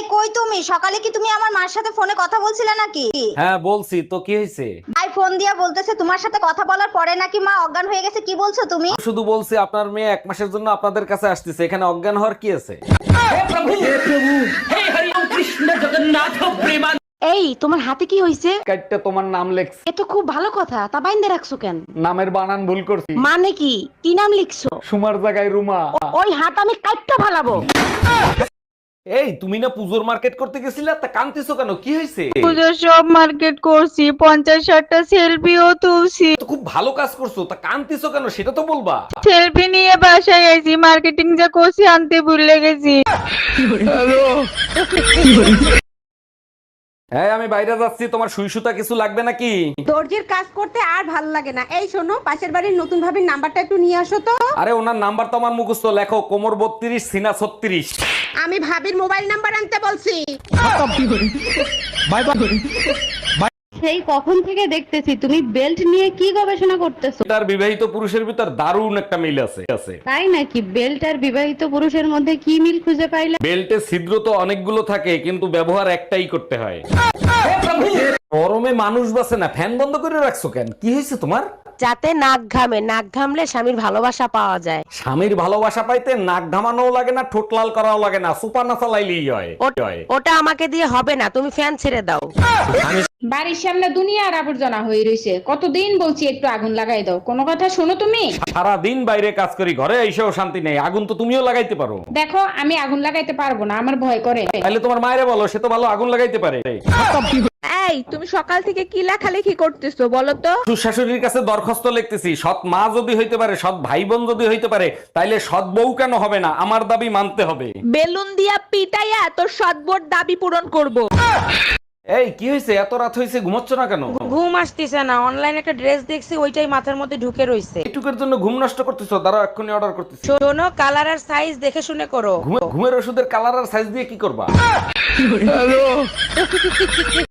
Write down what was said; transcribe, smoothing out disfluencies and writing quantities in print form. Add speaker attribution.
Speaker 1: কই তুমি? সকালে কি তুমি আমার মার সাথে ফোনে কথা বলছিলে নাকি?
Speaker 2: হ্যাঁ বলছি তো, কি হয়েছে?
Speaker 1: ভাই ফোন দিয়া বলতেছে তোমার সাথে কথা বলার পরে নাকি মা অজ্ঞান হয়ে গেছে। কি বলছো তুমি?
Speaker 2: শুধু বলছি আপনার মেয়ে 1 মাসের জন্য আপনাদের কাছে আসতেছে, এখানে অজ্ঞান হওয়ার কি আছে?
Speaker 3: এই তোমার হাতে কি হইছে?
Speaker 2: কাইটটা তোমার নাম লেখছি।
Speaker 3: এ তো খুব ভালো কথা, তা বাইন্দে রাখছো কেন?
Speaker 2: নামের বানান ভুল করছি,
Speaker 3: মানে কি কি নাম লিখছো?
Speaker 2: সুমার জায়গায় রুমা।
Speaker 3: ওই হাত আমি কাটতে ফালাবো।
Speaker 2: এই তুমি না পুজোর মার্কেট করতে গেছিলা, তা কাঁদতেছো কেন? কি হয়েছে?
Speaker 4: পুজোর সব মার্কেট করছি, 50-60টা সেলফিও তুলছি।
Speaker 2: তো খুব ভালো কাজ করছো, তা কাঁদতেছো কেন সেটা তো বলবা।
Speaker 4: সেলফি নিয়ে বাসায় গেছি, মার্কেটিং যা করছি আনতে ভুলে গেছি।
Speaker 2: হ্যাঁ আমি বাইরে যাচ্ছি, তোমার সুই সুতা কিছু লাগবে নাকি?
Speaker 5: দর্জির কাজ করতে আর ভাল লাগে না। এই শোনো, পাশের বাড়ির নতুন ভাবির নাম্বারটা একটু নিয়ে আসো তো।
Speaker 2: আরে ওনার নাম্বার তো আমার মুখস্থ, লেখো কোমর 32 সিনা 36।
Speaker 5: আমি ভাবির মোবাইল নাম্বার আনতে বলছি।
Speaker 3: সেই কখন থেকে দেখতেছি তুমি বেল্ট নিয়ে কি গবেষণা করতেছো।
Speaker 2: তার বিবাহিত পুরুষের ভিতর দারুণ একটা মিল আছে।
Speaker 3: তাই নাকি? বেল্ট আর বিবাহিত পুরুষের মধ্যে কি মিল খুঁজে পাইলে?
Speaker 2: বেল্টে ছিদ্র তো অনেকগুলো থাকে, কিন্তু ব্যবহার একটাই করতে হয়। গরমে মানুষ বাসে না, ফ্যান বন্ধ করে রাখছো কেন? কি হয়েছে তোমার?
Speaker 3: যাতে নাক ঘামে, নাক ঘামলে স্বামীর ভালোবাসা পাওয়া যায়।
Speaker 2: স্বামীর ভালোবাসা পাইতে নাক ঘামানোও লাগে না, ঠোঁট লাল করাও লাগে না, সুপার না চালাইলেই হয়।
Speaker 3: ওটা আমাকে দিয়ে হবে না, তুমি ফ্যান ছেড়ে দাও।
Speaker 6: বাড়ির সামনে দুনিয়ার আবর্জনা হয়ে রয়েছে, কতদিন বলছি একটু আগুন লাগাই দাও, কোনো কথা শোনো তুমি?
Speaker 2: সারা দিন বাইরে কাজ করি, ঘরে এসেও শান্তি নেই। আগুন তো তুমিও লাগাইতে পারো।
Speaker 6: দেখো আমি আগুন লাগাইতে পারবো না, আমার ভয় করে।
Speaker 2: তাহলে তোমার মায়েরে বলো, সে তো ভালো আগুন লাগাইতে পারে।
Speaker 4: এই তুমি সকাল থেকে কি লেখালেখি করতেছো বলো তো?
Speaker 2: শ্বশুর শাশুড়ির কাছে দরখাস্ত লিখতেছি, সৎ মা যদি হইতে পারে, সৎ ভাই বোন যদি হইতে পারে, তাইলে সৎ বউ কেন হবে না? আমার দাবি মানতে হবে।
Speaker 4: বেলুন দিয়া পিটাইয়া তোর সদবোর দাবি পূরণ করব।
Speaker 2: এই কি হয়েছে? এত রাত হয়েছে, ঘুমাচ্ছ না কেন?
Speaker 3: ঘুম আসতেছে না, অনলাইনে একটা ড্রেস দেখছি, ওইটাই মাথার মধ্যে ঢুকে রইছে।
Speaker 2: এইটুকের জন্য ঘুম নষ্ট করতেছো? দাঁড়াও এক্ষুনি অর্ডার করতেছি।
Speaker 3: শোনো, কালার আর সাইজ দেখে শুনে করো।
Speaker 2: ঘুমের ওষুধের কালার আর সাইজ দিয়ে কি করবা?